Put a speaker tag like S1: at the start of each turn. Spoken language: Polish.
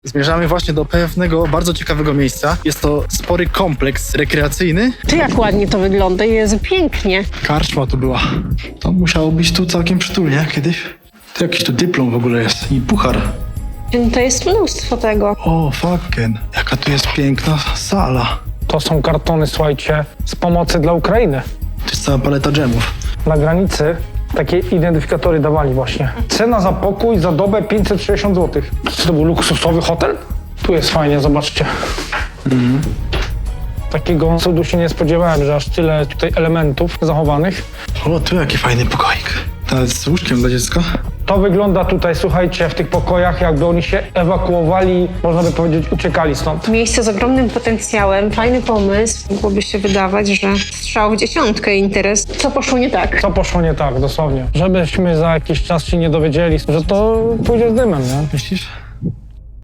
S1: Zmierzamy właśnie do pewnego bardzo ciekawego miejsca. Jest to spory kompleks rekreacyjny.
S2: Ty, jak ładnie to wygląda, jest pięknie.
S1: Karczma tu była. To musiało być tu całkiem przytulnie kiedyś. To jakiś tu dyplom w ogóle jest i puchar.
S2: To jest mnóstwo tego.
S1: O, fucking. Jaka tu jest piękna sala.
S3: To są kartony, słuchajcie, z pomocy dla Ukrainy.
S1: To jest cała paleta dżemów.
S3: Na granicy takie identyfikatory dawali właśnie. Cena za pokój za dobę 560 zł. Czy to był luksusowy hotel? Tu jest fajnie, zobaczcie. Takiego cudu się nie spodziewałem, że aż tyle tutaj elementów zachowanych.
S1: O, tu jaki fajny pokoik. Nawet z łóżkiem dla dziecka.
S3: To wygląda tutaj, słuchajcie, w tych pokojach, jakby oni się ewakuowali, można by powiedzieć, uciekali stąd.
S2: Miejsce z ogromnym potencjałem, fajny pomysł. Mogłoby się wydawać, że strzał w dziesiątkę interes. Co poszło nie tak?
S3: Co poszło nie tak, dosłownie. Żebyśmy za jakiś czas się nie dowiedzieli, że to pójdzie z dymem, nie?
S1: Myślisz?